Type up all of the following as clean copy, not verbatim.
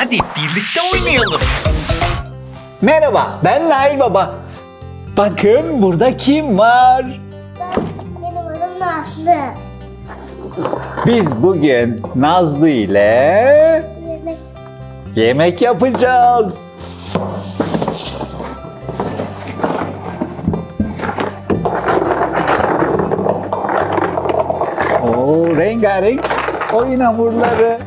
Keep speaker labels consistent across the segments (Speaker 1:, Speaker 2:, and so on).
Speaker 1: Hadi birlikte oynayalım.
Speaker 2: Merhaba, ben Nail Baba. Bakın burada kim var?
Speaker 3: Benim adım Nazlı.
Speaker 2: Biz bugün Nazlı ile
Speaker 3: Yemek
Speaker 2: yemek yapacağız. Oo, rengarenk oyun hamurları.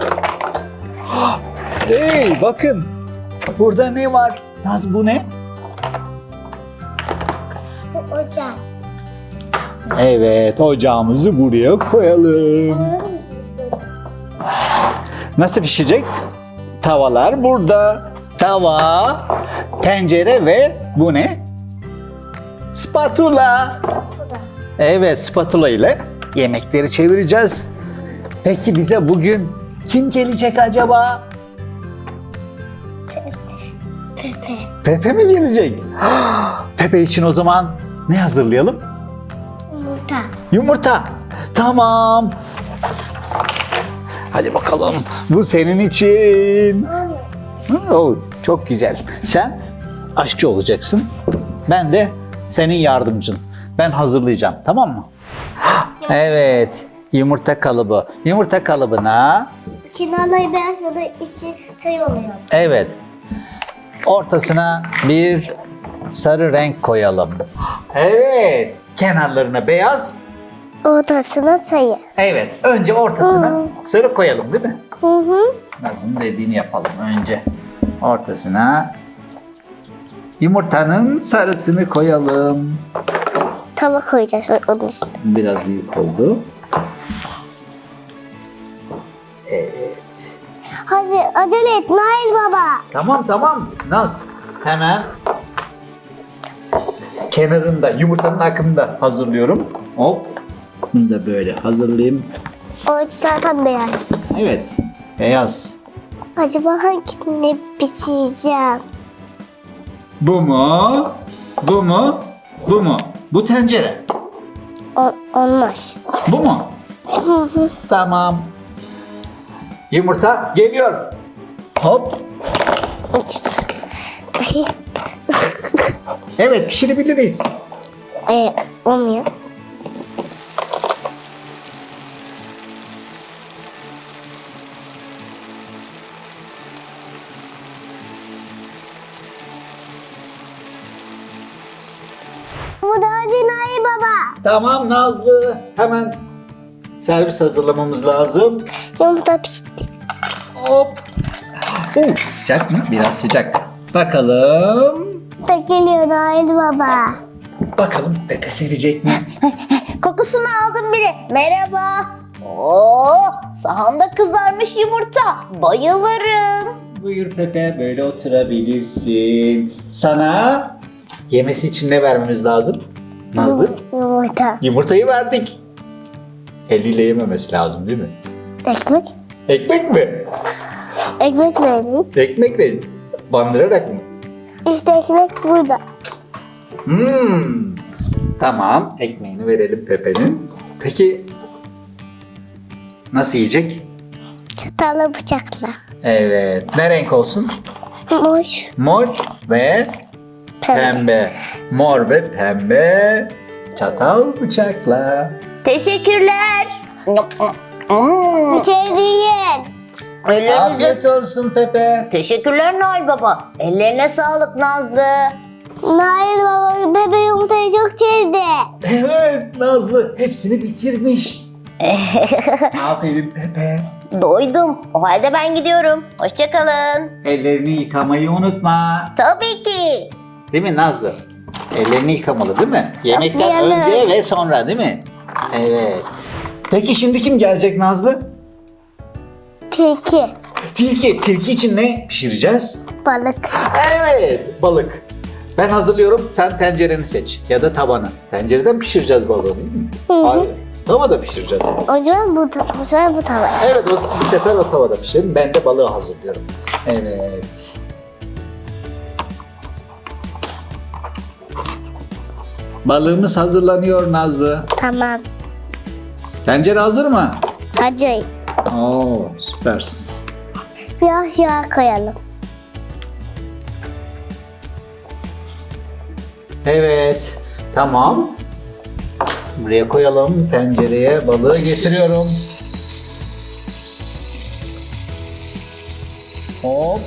Speaker 2: Hey, bakın. Burada ne var? Naz, bu ne?
Speaker 3: bu ocak.
Speaker 2: Evet, ocağımızı buraya koyalım.
Speaker 3: Anladın mı siz?
Speaker 2: Nasıl pişecek? Tavalar burada. Tava, tencere ve bu ne? Spatula.
Speaker 3: Burada.
Speaker 2: Evet, spatula ile yemekleri çevireceğiz. Peki bize bugün kim gelecek acaba?
Speaker 3: Pepe.
Speaker 2: Pepe mi gelecek? Pepe için o zaman ne hazırlayalım?
Speaker 3: Yumurta.
Speaker 2: Yumurta. Tamam. Hadi bakalım. Bu senin için. Oo, çok güzel. Sen aşçı olacaksın. Ben de senin yardımcın. Ben hazırlayacağım, tamam mı? Evet. Yumurta kalıbı. Yumurta kalıbına
Speaker 3: Kenarları beyaz ya da içi çay oluyor.
Speaker 2: evet. Ortasına bir sarı renk koyalım. Evet. Kenarlarına beyaz.
Speaker 3: Ortasına çayı.
Speaker 2: Evet. Önce ortasına sarı koyalım, değil mi?
Speaker 3: Hı hı.
Speaker 2: Nazlı'nın dediğini yapalım önce. Ortasına yumurtanın sarısını koyalım.
Speaker 3: Tava koyacağız onun üstüne.
Speaker 2: Biraz iyi oldu. Evet.
Speaker 3: Hadi acele et Nail Baba.
Speaker 2: Tamam. Naz hemen kenarında yumurtanın akında hazırlıyorum. Hop. Bunu da böyle hazırlayayım.
Speaker 3: O zaten beyaz.
Speaker 2: Evet. Beyaz.
Speaker 3: Acaba hangisini biçeceğim?
Speaker 2: Bu mu? Bu mu? Bu mu? Bu tencere.
Speaker 3: Olmaz.
Speaker 2: Bu mu? Tamam. Yumurta geliyor. Hop. Evet, pişirebiliriz.
Speaker 3: Olmuyor. Bu da acı Nail Baba.
Speaker 2: Tamam Nazlı. Hemen servis hazırlamamız lazım.
Speaker 3: Yumurta pişti.
Speaker 2: Hop. Sıcak mı? Biraz sıcak. Bakalım.
Speaker 3: Da geliyor Nail Baba.
Speaker 2: Bakalım Pepe sevecek mi?
Speaker 4: Kokusunu aldım bile. Merhaba. Oo, sahanda kızarmış yumurta. Bayılırım.
Speaker 2: Buyur Pepe, böyle oturabilirsin. Sana yemesi için ne vermemiz lazım? Nazlı?
Speaker 3: Yumurta.
Speaker 2: Yumurtayı verdik. Eliyle yememesi lazım değil mi?
Speaker 3: Ekmek.
Speaker 2: Ekmek mi?
Speaker 3: Ekmek verin.
Speaker 2: Ekmekle bandırarak mı?
Speaker 3: İşte ekmek burada.
Speaker 2: Tamam, ekmeğini verelim Pepe'nin. Peki nasıl yiyecek?
Speaker 3: Çatalla bıçakla.
Speaker 2: Evet, ne renk olsun?
Speaker 3: Mor.
Speaker 2: Mor ve pembe. Mor ve pembe. Çatal bıçakla.
Speaker 4: Teşekkürler.
Speaker 3: Bir şey değil.
Speaker 4: Ellerinize...
Speaker 2: Afiyet olsun Pepe.
Speaker 4: Teşekkürler Noel Baba. Ellerine sağlık Nazlı.
Speaker 3: Nail Baba bebe yumurtayı çok sevdi.
Speaker 2: Evet Nazlı hepsini bitirmiş. Aferin Pepe.
Speaker 4: Doydum. O halde ben gidiyorum. Hoşçakalın.
Speaker 2: Ellerini yıkamayı unutma.
Speaker 4: Tabii ki.
Speaker 2: Değil mi Nazlı? Ellerini yıkamalı değil mi? Yemekten
Speaker 3: Yıkayalım.
Speaker 2: önce ve sonra değil mi? Evet. Peki şimdi kim gelecek Nazlı?
Speaker 3: Tilki.
Speaker 2: Tilki. Tilki için ne pişireceğiz?
Speaker 3: Balık.
Speaker 2: Evet, balık. Ben hazırlıyorum, sen tencereni seç ya da tavanı. Tencereden pişireceğiz balığı değil mi? Hayır, tavada pişireceğiz.
Speaker 3: O zaman bu sefer bu tava.
Speaker 2: Evet, bu sefer o tavada pişirelim. Ben de balığı hazırlıyorum. Evet. Balığımız hazırlanıyor Nazlı.
Speaker 3: Tamam.
Speaker 2: Tencere hazır mı?
Speaker 3: Acı.
Speaker 2: Oo, süpersin.
Speaker 3: Biraz yağ koyalım.
Speaker 2: Evet. Tamam. Buraya koyalım. Tencereye balığı getiriyorum. Hop.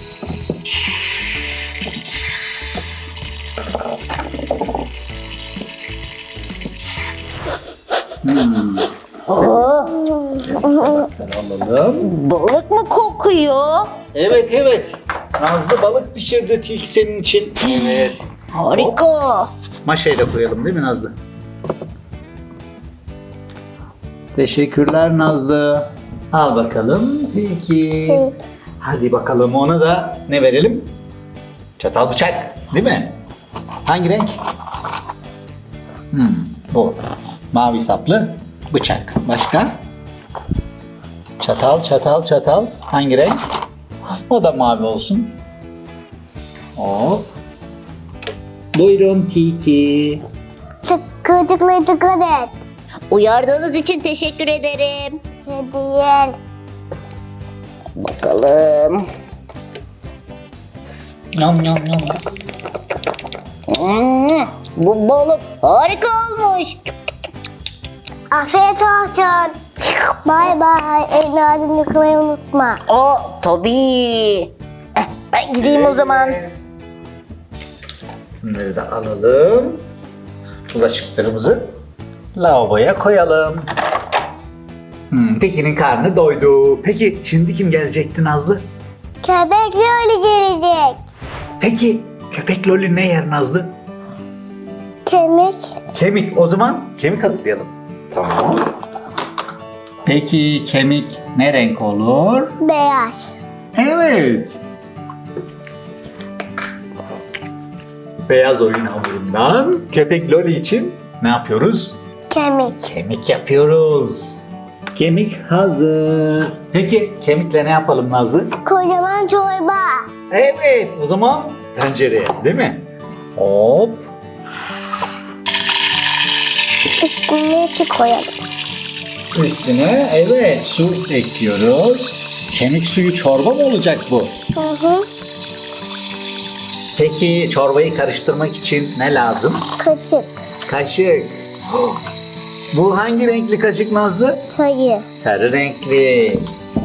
Speaker 2: Alalım.
Speaker 4: Balık mı kokuyor?
Speaker 2: Evet evet. Nazlı balık pişirdi tilki senin için. Evet.
Speaker 4: Harika.
Speaker 2: Maşayla koyalım değil mi Nazlı? Teşekkürler Nazlı. Al bakalım tilki. Hadi bakalım ona da ne verelim? Çatal bıçak değil mi? Hangi renk? Bu. Mavi saplı bıçak. Başka? Çatal, çatal, çatal. Hangi renk? O da mavi olsun. Hop. Buyurun tilki.
Speaker 3: Kıvırcıklara dikkat et.
Speaker 4: Uyardığınız için teşekkür ederim.
Speaker 3: Hediye.
Speaker 4: Bakalım.
Speaker 2: Yum yum yum.
Speaker 4: Bu balık harika olmuş.
Speaker 3: Afiyet olsun. Bay bay. Elini ağzını yıkamayı unutma.
Speaker 4: Tabii. Ben gideyim o zaman.
Speaker 2: Bunları da alalım. Bulaşıklarımızı lavaboya koyalım. Tekin'in karnı doydu. Peki şimdi kim gelecekti Nazlı?
Speaker 3: Köpekli öyle gelecek.
Speaker 2: Peki köpek Loli ne yer Nazlı?
Speaker 3: Kemik.
Speaker 2: Kemik. O zaman kemik hazırlayalım. Tamam. Peki kemik ne renk olur?
Speaker 3: Beyaz.
Speaker 2: Evet. Beyaz oyun hamurundan köpek Loli için ne yapıyoruz?
Speaker 3: Kemik.
Speaker 2: Kemik yapıyoruz. Kemik hazır. Peki kemikle ne yapalım Nazlı?
Speaker 3: Kocaman çorba.
Speaker 2: Evet, o zaman tencereye, değil mi? Hop.
Speaker 3: Üstüne su koyalım.
Speaker 2: Üstüne evet su ekliyoruz. Kemik suyu çorba mı olacak bu?
Speaker 3: Hı.
Speaker 2: Peki çorbayı karıştırmak için ne lazım?
Speaker 3: Kaçık.
Speaker 2: Kaşık. Bu hangi renkli kaşık Nazlı?
Speaker 3: Sayı.
Speaker 2: Sarı renkli.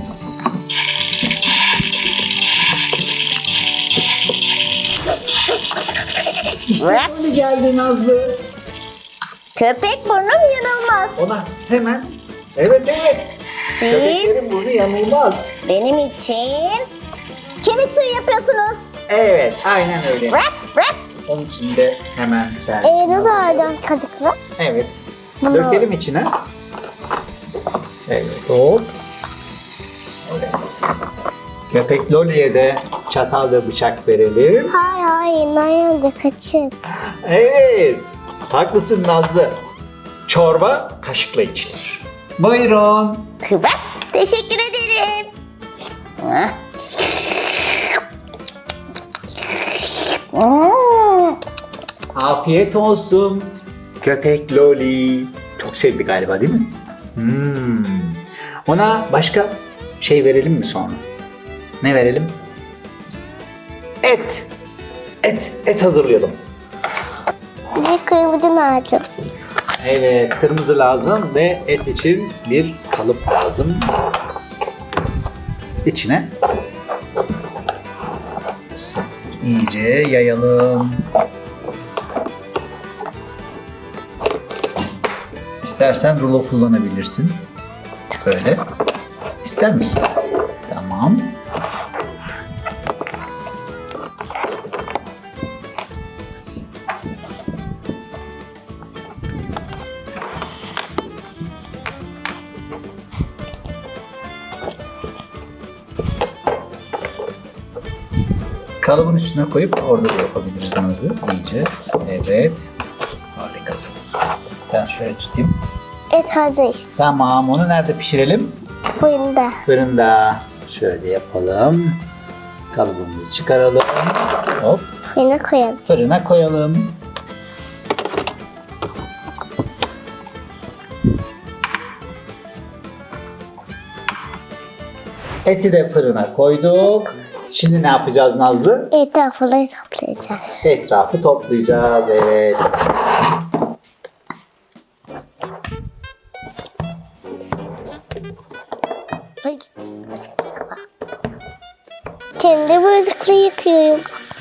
Speaker 2: İşte böyle geldi Nazlı.
Speaker 4: Köpek burnum yanılmaz.
Speaker 2: Ona hemen evet evet.
Speaker 4: Siz
Speaker 2: Köpeklerin burnu yanılmaz.
Speaker 4: benim için kemik suyu yapıyorsunuz.
Speaker 2: Evet aynen öyle.
Speaker 4: Raf raf.
Speaker 2: Onun için de hemen sen.
Speaker 3: Nasıl alacağız kaçıkla?
Speaker 2: Evet.
Speaker 3: Bunu-
Speaker 2: Dökelim içine. Evet hop. Evet. Köpek Loli'ye de çatal ve bıçak verelim.
Speaker 3: Hayır, Nayanca kaçık.
Speaker 2: Evet. Haklısın Nazlı. Çorba kaşıkla içilir. Buyurun.
Speaker 4: Raf. Teşekkür ederim. Hah.
Speaker 2: Afiyet olsun. Köpek Loli. Çok sevdi galiba değil mi? Ona başka şey verelim mi sonra? Ne verelim? Et. Et hazırlayalım.
Speaker 3: Bir kırmızı lazım.
Speaker 2: Evet, kırmızı lazım ve et için bir kalıp lazım. İçine iyice yayalım. İstersen rulo kullanabilirsin. Böyle. İster misin? Tamam. Kalıbın üstüne koyup orada da yapabiliriz Nazlı. İyice. Evet. Harikasın. Ben şöyle tutayım.
Speaker 3: Et hazır.
Speaker 2: Tamam. Onu nerede pişirelim?
Speaker 3: Fırında.
Speaker 2: Fırında. Şöyle yapalım. Kalıbımızı çıkaralım. Hop.
Speaker 3: Fırına koyalım.
Speaker 2: Fırına koyalım. Eti de fırına koyduk. Şimdi ne yapacağız Nazlı?
Speaker 3: Etrafını toplayacağız.
Speaker 2: Etrafı toplayacağız. Evet.
Speaker 3: Ay, kendi müzikle yıkıyorum.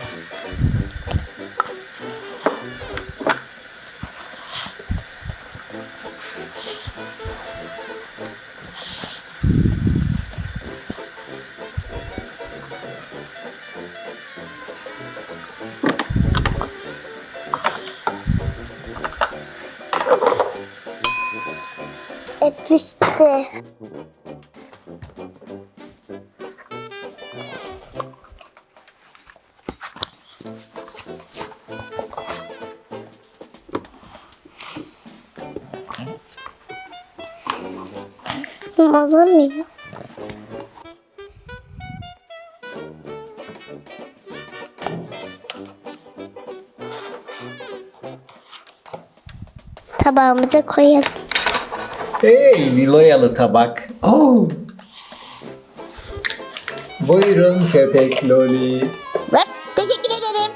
Speaker 3: Et pişti. Hazır mıyım? Tabağımıza koyalım.
Speaker 2: Hey Niloyalı tabak. Oh. Buyurun köpek Loli.
Speaker 4: Raf, teşekkür ederim.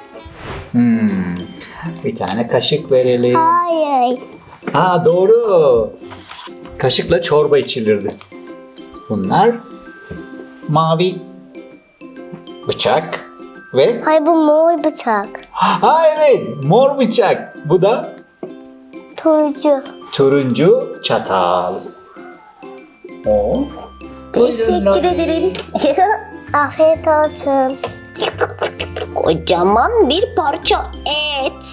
Speaker 2: Bir tane kaşık verelim.
Speaker 3: Hayır.
Speaker 2: Ha doğru. Kaşıkla çorba içilirdi. Bunlar mavi bıçak ve
Speaker 3: Hayır, bu mor bıçak.
Speaker 2: ha evet mor bıçak. Bu da
Speaker 3: Turuncu.
Speaker 2: turuncu çatal. O.
Speaker 4: Teşekkür ederim.
Speaker 3: Afiyet olsun.
Speaker 4: Kocaman bir parça et.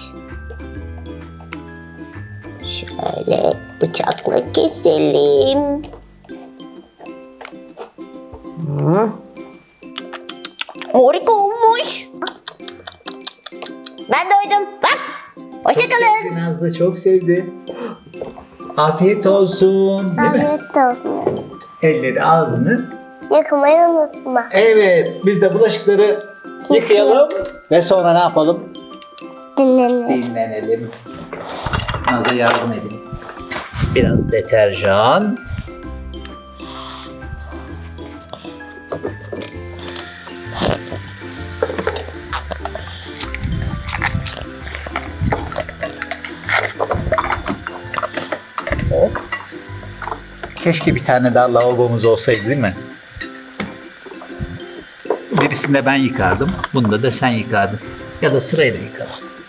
Speaker 4: Şöyle bıçakla keselim. Harika olmuş. Ben doydum. Raf, hoşçakalın.
Speaker 2: Sevdi Nazlı çok sevdi. Afiyet olsun. Değil mi?
Speaker 3: Afiyet olsun.
Speaker 2: Elleri ağzını.
Speaker 3: Yakmayı unutma.
Speaker 2: Evet biz de bulaşıkları yıkayalım. Ve sonra ne yapalım?
Speaker 3: Dinlenin.
Speaker 2: Dinlenelim. Naz'a yardım edin. Biraz deterjan. Hop. Keşke bir tane daha lavabomuz olsaydı değil mi? Birisinde ben yıkardım. Bunda da sen yıkardın. Ya da sırayla yıkarız.